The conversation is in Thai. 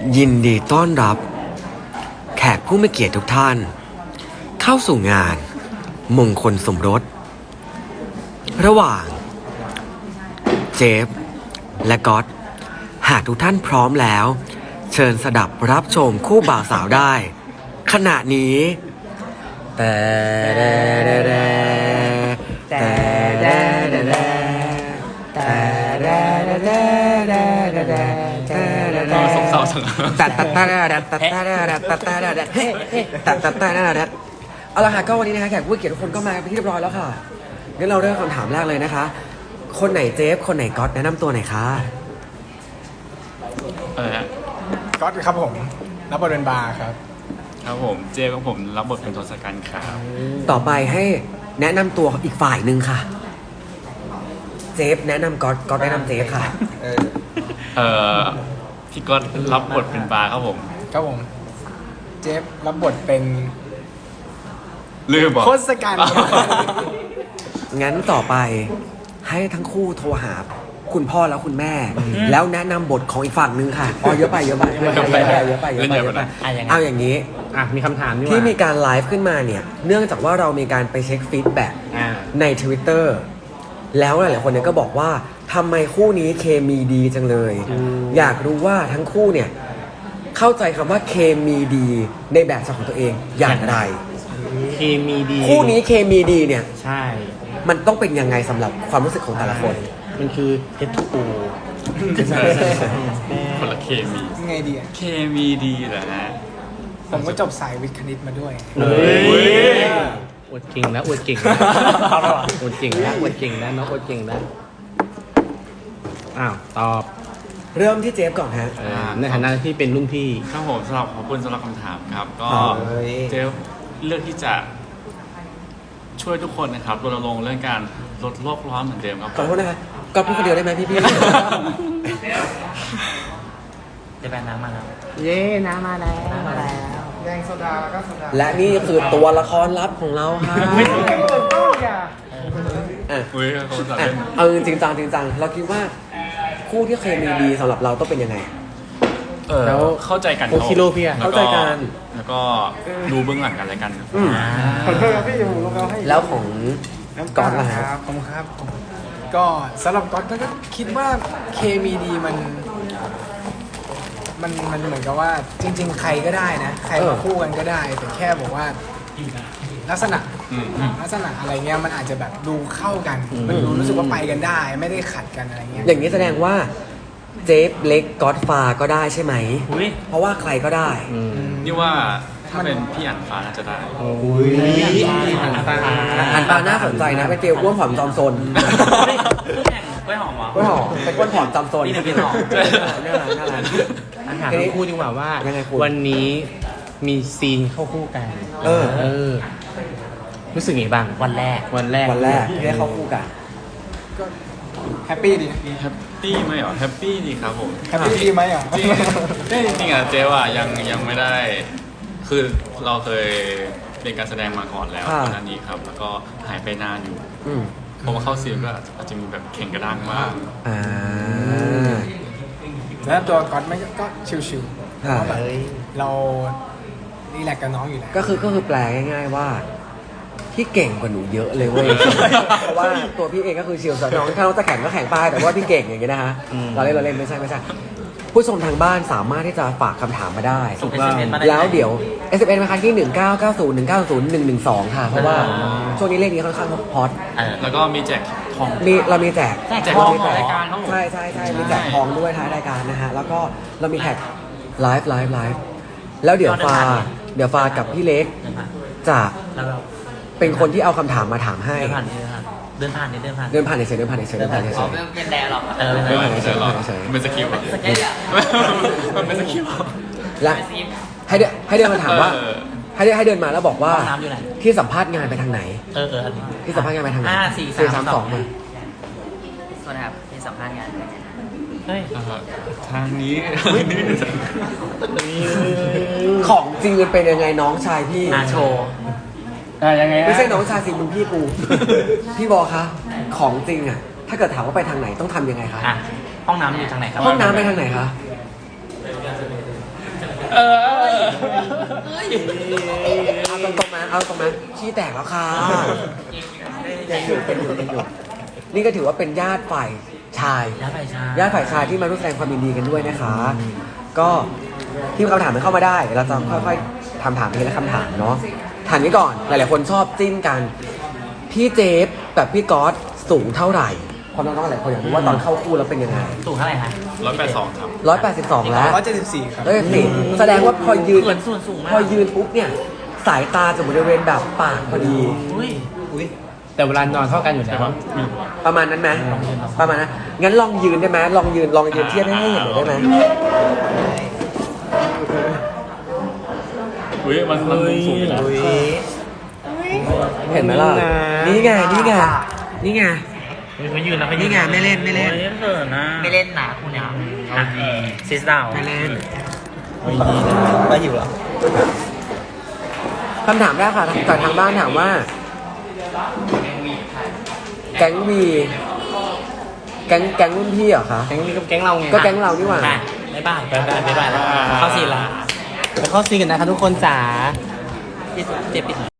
ยินดีต้อนรับแขกผู้มีเกียรติทุกท่านเข้าสู่งานมงคลสมรสระหว่างเจฟและก๊อตหากทุกท่านพร้อมแล้วเชิญสดับรับชมคู่บ่าวสาวได้ขณะนี้แต่สงสารสังเอาละค่ะก็วันนี้นะคะแขกผู้เกียรติทุกคนก็มาเป็นที่เรียบร้อยแล้วค่ะงั้นเราเริ่มคำถามแรกเลยนะคะคนไหนเจฟคนไหนก๊อตแนะนำตัวหน่อยค่ะก๊อตครับผมรับบทเป็นบาร์ครับครับผมเจของผมรับบทเป็นทศกัณฐ์ครับต่อไปให้แนะนำตัวอีกฝ่ายหนึ่งค่ะเจฟแนะนำก๊อตก๊อตแนะนำเจฟค่ะพี่ก๊อตรับบทเป็นบาร์ครับผมครับผมเจฟรับบทเป็นลืมบอกทศกัณฐ์ครับงั้นต่อไปให้ทั้งคู่โทรหาคุณพ่อแล้วคุณแม่ แล้วแนะนำบทของอีกฝั่งหนึ่งค่ะอ๋อเยอะไปเอาอย่างนี้มีคำถามนี่ว่าที่มีการไลฟ์ขึ้นมาเนี่ยเนื่องจากว่าเรามีการไปเช็คฟีดแบ็กใน Twitter แล้วหลายๆคนเนี่ยก็บอกว่าทำไมคู่นี้เคมีดีจังเลย อยากรู้ว่าทั้งคู่เนี่ยเข้าใจคำว่าเคมีดีในแบบฉบับของตัวเองอย่างไรเคมีดีคู่นี้เคมีดีเนี่ยใช่มันต้องเป็นยังไงสำหรับความรู้สึกของแต่ละคนมันคือ H2O คนละเคมียังไงดีอ่ะเคมีดีเหรอฮะผมก็จบสายวิทย์คณิตมาด้วยเฮ้ยอวดเก่งนะอวดเก่งนะอวดเก่งนะอวดเก่งนะน้องอวดเก่งนะอ้าวตอบเริ่มที่เจฟก่อนฮะในฐานะที่เป็นรุ่นพี่ครับผมสำหรับขอบคุณสำหรับคำถามครับ ก็เฮ้ยเจเลือกที่จะช่วยทุกคนนะครับรณรงค์เรื่องการลดโลกร้อนเหมือนเดิมครับขอโทษนะคะก็พูดคนเดียวได้ไหมพี่จะไปน้ำมาแล้วเย้น้ำมาแล้วแดงโซดาแล้วก็โซดาและนี่คือตัวละครลับของเราค่ะอ่ะอุ้ยเขาจะอ่ะเล่นเอาจริงจังจริงจังเราคิดว่าคู่ที่เคมีดีสำหรับเราต้องเป็นยังไงแล้วเข้าใจกันโอคิโร่พี่อะเข้าใจกันแล้วก็ดูเบื้องหลังกันอะไรกันครับขอโทษครับพี่ผมลงแล้วให้แล้วของก๊อตล่ะฮะครับผมครับ ก็สำหรับก๊อตก็คิดว่าเคมีดีมันเหมือนกับว่าจริง ๆ ใครก็ได้นะ ใครมาคู่กันก็ได้ แต่แค่บอกว่าลักษณะอะไรเงี้ยมันอาจจะแบบดูเข้ากัน มันดูรู้สึกว่าไปกันได้ ไม่ได้ขัดกันอะไรเงี้ยอย่างนี้แสดงว่าเจฟเล็กก๊อตฟาก็ได้ใช่ไหมอุ้ยเพราะว่าใครก็ได้นี่ว่าถ้าเป็นพี่อั๋นฟ้าน่าจะได้อุ้ยหันตาอันปาน่าสนใจนะเป็นฟิลอ้วนผอมจอมซนคู่แข่งกล้วยหอมเหรออ้วนหอมเป็นอ้วนผอมจอมซนนี่เป็นพี่หอมน่ารักน่ารักถามทั้งคู่ดีกว่าว่ายังไงคุณวันนี้มีซีนเข้าคู่กันเออรู้สึกไงบ้างวันแรกวันแรกวันแรกที่ได้เข้าคู่กันก็แฮปปี้ดีนะแฮปปี้ไหมเหรอแฮปปี้ดีครับผมแฮปปี้ดีไหมอ่ะจริงอ่ะเจ๊ว่ายังไม่ได้ คือเราเคยเรียนการแสดงมาก่อนแล้วค่ะก่อนหน้านี้ครับ แล้วก็หายไปนานอยู่อืมพอมาเข้าซีนก็อาจจะมีแบบแข่งกระด้างบ้างอ่าแล้วตัวก๊อตไม่ก็ชิวๆค่ะเพราะแบบเรารีแลกซ์กับน้องอยู่แล้วก็คือแปลง่ายๆว่าพี่เก่งกว่าหนูเยอะเลยเว้ย เพราะว่าตัวพี่เองก็คือชิลส์น้องถ้าน้องจะแข่งก็แข่งไปแต่ว่าพี่เก่งอย่างเงี้ยนะฮะเราเล่นไม่ใช่ผู้ชมทางบ้านสามารถที่จะฝากคำถามมาได้ส่ง SMS มาได้แล้วเดี๋ยว SMS มาคันที่ 1990190112 ค่ะ เพราะว่าช่วงนี้เลขนี้ค่อนข้างฮอตแล้วก็มีแจกทองเรามีแจกแจกทองของรายการครับผมใช่มีแจกทองด้วยท้ายรายการนะฮะ แล้วก็เรามีแท็กไลฟ์แล้วเดี๋ยวฟากับพี่เล็กเดินผ่านจะแล้วเราเป็นคนที่เอาคำถามมาถามให้เดินผ่านเดินผ่านเดินผ่านเฉยๆเป็นแดร์หรอไม่ใช่หรอเป็นสกิลมันเป็นสกิลและให้เดินมาถามว่า ให้เดินมาแล้วบอกว่าห้องน้ำอยู่ไหนที่สัมภาษณ์งานไปทางไหนอันนี้ที่สัมภาษณ์งานไปทางไหน 5 4 3 4-3-2 มาสวัสดีครับที่สัมภาษณ์งานเฮ้ยทางนี้ของจริงมันเป็นยังไงน้องชายพี่โชว์ยังไงไม่ใช่น้องชายสิมึงพี่กู พี่บอกคะของจริงอ่ะ ถ้าเกิดถามว่าไปทางไหนต้องทำยังไงคะห้องน้ำอยู่ทางไหนครับห้องน้ำไปทางไหนคะเอาตรงๆนะเอาตรงๆนะขี้แตกแล้วค่ะยังอยู่เป็นอยู่นี่ก็ถือว่าเป็นญาติฝ่ายชายย้ายไปชาญาติฝ่ายชายที่มาร่วมแสดงความยินดีกันด้วยนะคะ ก็ที่คำถามมันเข้ามาได้ เราจะค่อยๆถามทีละคำถามเนาะถามนี้ก่อนหลายๆคนชอบจิ้นกัน พี่เจฟกับพี่ก๊อตสูงเท่าไหร่ความน้องๆหลายคนอยากรู้ว่าตอนเข้าคู่แล้วเป็นยังไงสูงเท่าไหร่คะ 182ครับ 182 แล้ว 174 ครับสิแสดงว่าพอยืนเหมือนส่วนสูงมากพอยืนปุ๊บเนี่ย สายตาจะบริเวณแบบปากพอดีอุ้ยแต่เวลานอนเท่ากันอยู่แล้วประมาณนั้นไหมประมาณนั้นงั้นลองยืนได้ไหมลองยืนเทียบให้เห็นหน่อยได้ไหมอุ้ยมันสูงอยู่นะเห็นไหมล่ะนี่ไงนี่ไงนี่ไงเขายืนนะเขายืนี่ไงไม่เล่นไม่เล่นนะไม่เล่นหนาคุณเนี่ยซิสดาวไม่เล่นก็อยู่หรอคำถามแรกค่ะจากทางบ้านถามว่า แก๊งวีแก๊งรุ่นพี่เหรอคะแก๊งนี้ก็แก๊งเราไงก็แก๊งเรานี่หว่าบ๊ายบายแล้วเข้าซีนละไปเข้าซีนกันนะคะทุกคนจ๋าเจ็บปิด